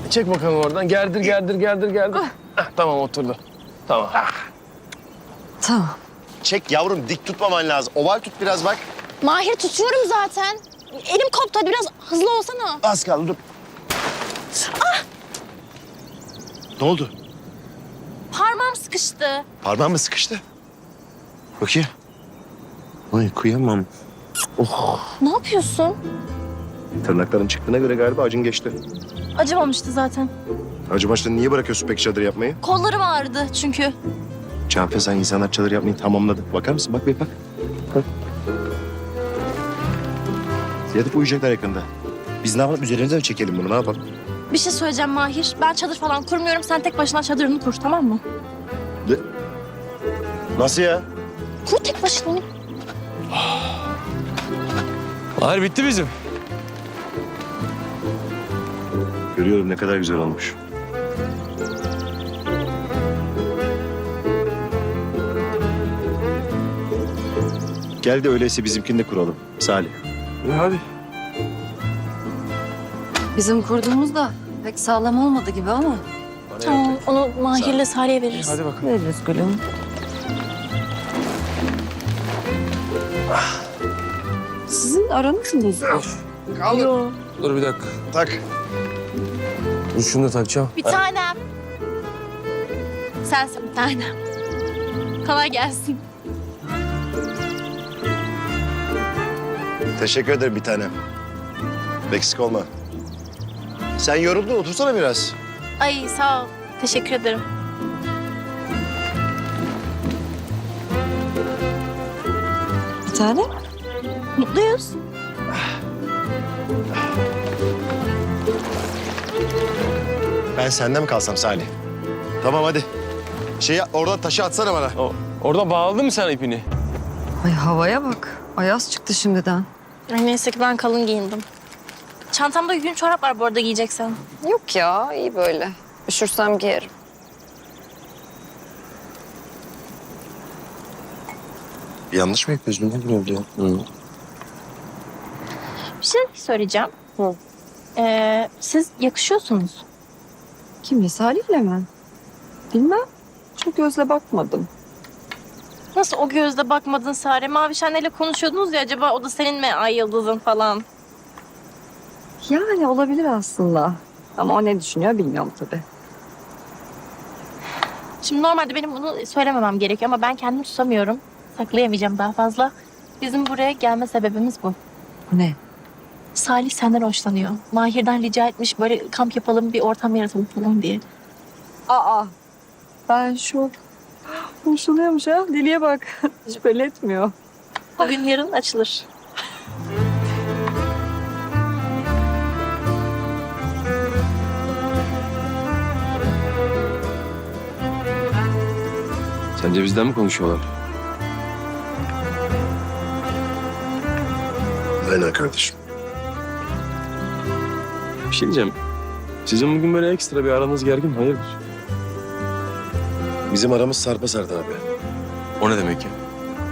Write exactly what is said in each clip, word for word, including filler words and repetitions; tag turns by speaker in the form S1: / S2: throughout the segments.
S1: Çek bakalım oradan. Gerdir, gerdir, gerdir, gerdir. Heh, tamam oturdu. Tamam.
S2: Tamam.
S3: Çek yavrum, dik tutmaman lazım. Oval tut biraz bak.
S4: Mahir tutuyorum zaten. Elim koptu, hadi biraz hızlı olsana.
S3: Az kaldı, dur. Ah! Ne oldu?
S4: Parmağım sıkıştı.
S3: Parmağın mı sıkıştı? Bakayım. Ay kıyamam. Oh.
S4: Ne yapıyorsun?
S3: Tırnakların çıktığına göre galiba acın geçti.
S4: Acımamıştı zaten.
S3: Acı başta niye bırakıyorsun peki çadır yapmayı?
S4: Kollarım ağrıdı çünkü.
S3: Canfe, sen insanlar çadır yapmayı tamamladı. Bakar mısın? Bak bir bak. Bak. Yatıp uyuyacaklar yakında. Biz ne yapalım? Üzerinize mi çekelim bunu? Ne yapalım?
S4: Bir şey söyleyeceğim Mahir. Ben çadır falan kurmuyorum. Sen tek başına çadırını kur, tamam mı?
S3: De... Nasıl ya?
S4: Kur tek başına.
S1: Mahir bitti bizim.
S3: Görüyorum ne kadar güzel olmuş. Gel de öyleyse bizimkini de kuralım Salih.
S1: İyi hadi.
S2: Bizim kurduğumuz da pek sağlam olmadı gibi ama.
S4: Tamam, onu Mahir'le Salih'e
S1: İyi,
S4: veririz.
S1: hadi bakalım.
S2: Veririz gülüm. Sizin aranız mı bozulmuş?
S4: Yo.
S1: Dur bir dakika.
S3: Tak.
S1: Dur şunu da takacağım.
S4: Bir tanem. Sensin bir tanem. Kolay gelsin.
S3: Teşekkür ederim bir tanem. Eksik olma. Sen yoruldun, otursana biraz.
S4: Ay sağ ol. Teşekkür ederim.
S2: Bir tane.
S4: Mutluyuz.
S3: Ben senden mi kalsam Salih? Tamam hadi. Şeyi oradan taşı atsana bana.
S1: O, orada bağladın mı sen ipini?
S2: Ay havaya bak. Ayaz çıktı şimdiden.
S4: Ay neyse ki ben kalın giyindim. Çantamda yün çorap var bu arada giyeceksen.
S2: Yok ya iyi böyle. Üşürsem giyerim.
S3: Yanlış mı yapıyorsun? Ne bileyim ya.
S1: Hı.
S4: Bir şey söyleyeceğim.
S2: Hı.
S4: Ee, siz yakışıyorsunuz.
S2: Kimle Salih'le mi? Bilmem. Çok gözle bakmadım.
S4: Nasıl o gözle bakmadın Sare? Mavişen'le konuşuyordunuz ya, acaba o da senin mi ay yıldızın falan?
S2: Yani olabilir aslında. Ama o ne düşünüyor bilmiyorum tabii.
S4: Şimdi normalde benim bunu söylememem gerekiyor ama ben kendimi tutamıyorum. Saklayamayacağım daha fazla. Bizim buraya gelme sebebimiz bu.
S2: Ne?
S4: Salih senden hoşlanıyor. Mahir'den rica etmiş böyle kamp yapalım, bir ortam yaratalım falan diye.
S2: Aa. Ben şok. Hoşlanıyormuş ha. Diliye bak. Hiç belli etmiyor.
S4: Bugün yarın açılır.
S1: Sence bizden mi konuşuyorlar?
S3: Aynen kardeşim.
S1: Bir şey diyeceğim. Sizin bugün böyle ekstra bir aranız gergin, hayırdır?
S3: Bizim aramız sarpa sardı abi.
S1: O ne demek ya?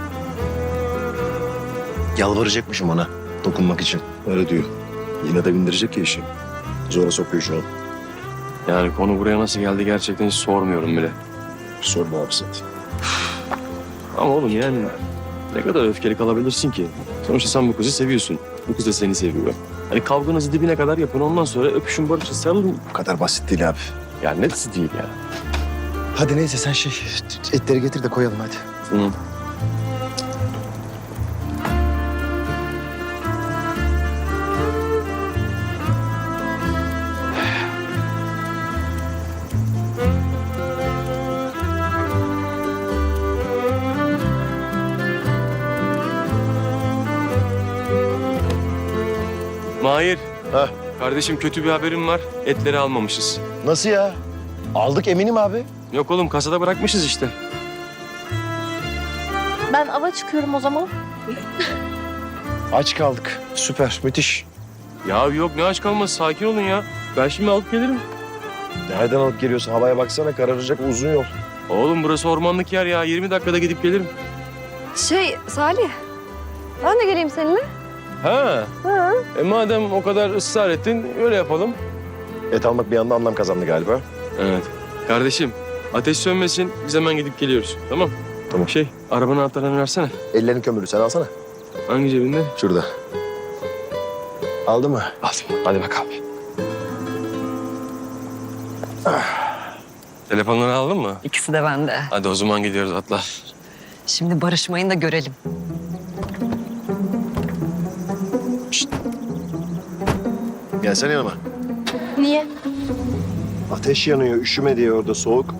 S3: Yalvaracakmışım ona dokunmak için. Öyle diyor. Yine de bindirecek ya işi. Zora sokuyor şu an.
S1: Yani konu buraya nasıl geldi gerçekten hiç sormuyorum bile.
S3: Sorma abi zaten.
S1: Ama oğlum yani ne kadar öfkeli kalabilirsin ki? Sonuçta sen bu kızı seviyorsun. Bu kız da seni seviyor. Hani kavganızı dibine kadar yapın, ondan sonra öpüşün, barışın, sarılın.
S3: Bu kadar basit değil abi.
S1: Yani nesi değil ya.
S3: Hadi neyse sen şey etleri getir de koyalım hadi.
S1: Hı. Mahir.
S3: Ha.
S1: Kardeşim kötü bir haberim var. Etleri almamışız.
S3: Nasıl ya? Aldık eminim abi.
S1: Yok oğlum kasada bırakmışız işte.
S4: Ben ava çıkıyorum o zaman.
S3: Aç kaldık. Süper, müthiş.
S1: Ya yok ne aç kalması, sakin olun ya. Ben şimdi alıp gelirim.
S3: Nereden alıp geliyorsun? Havaya baksana, kararacak uzun yol.
S1: Oğlum burası ormanlık yer ya. yirmi dakikada gidip gelirim.
S2: Şey Salih. Ben de geleyim seninle.
S1: Ha.
S2: Ha.
S1: E madem o kadar ısrar ettin öyle yapalım.
S3: Et almak bir anda anlam kazandı galiba.
S1: Evet. Kardeşim ateş sönmesin biz hemen gidip geliyoruz. Tamam.
S3: Tamam.
S1: Şey arabanın anahtarlarını versene.
S3: Ellerin kömürlü, sen alsana.
S1: Hangi cebinde?
S3: Şurada. Aldı mı?
S1: Aldım. Hadi bakalım. Telefonları aldın mı?
S2: İkisi de bende.
S1: Hadi o zaman gidiyoruz atla.
S2: Şimdi barışmayın da görelim.
S3: Gelsene yanıma.
S4: Niye?
S3: Ateş yanıyor, üşüme diye orada soğuk.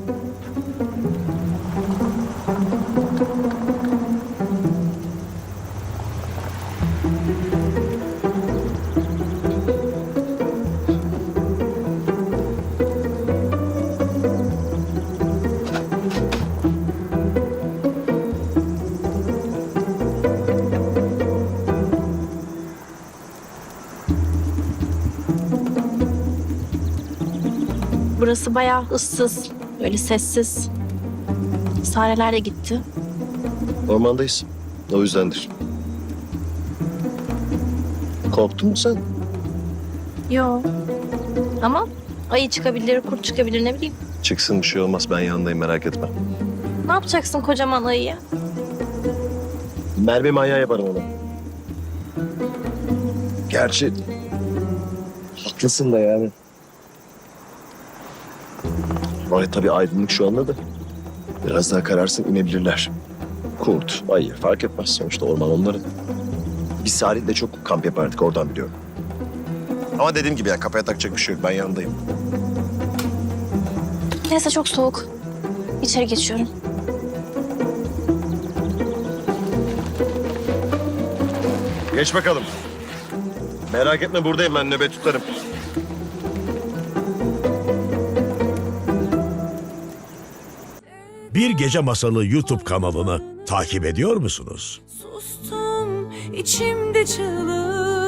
S4: Burası bayağı ıssız, böyle sessiz. Sareler de gitti.
S3: Ormandayız. O yüzdendir. Korktun mu sen?
S4: Yo. Ama ayı çıkabilir, kurt çıkabilir ne bileyim.
S3: Çıksın bir şey olmaz. Ben yanındayım, merak etme.
S4: Ne yapacaksın kocaman ayıya?
S3: Merve manyağı yaparım ona. Gerçi haklısın da yani. Ay tabii aydınlık şu anda da. Biraz daha kararsın inebilirler. Kurt, ayı fark etmez sonuçta orman onların. Biz Salih'le çok kamp yapardık oradan biliyorum. Ama dediğim gibi ya kafaya takacak bir şey yok. Ben yanındayım.
S4: Neyse çok soğuk. İçeri geçiyorum.
S3: Geç bakalım. Merak etme buradayım ben nöbet tutarım.
S5: Bir Gece Masalı YouTube kanalını takip ediyor musunuz?
S6: Sustum içimde çığlık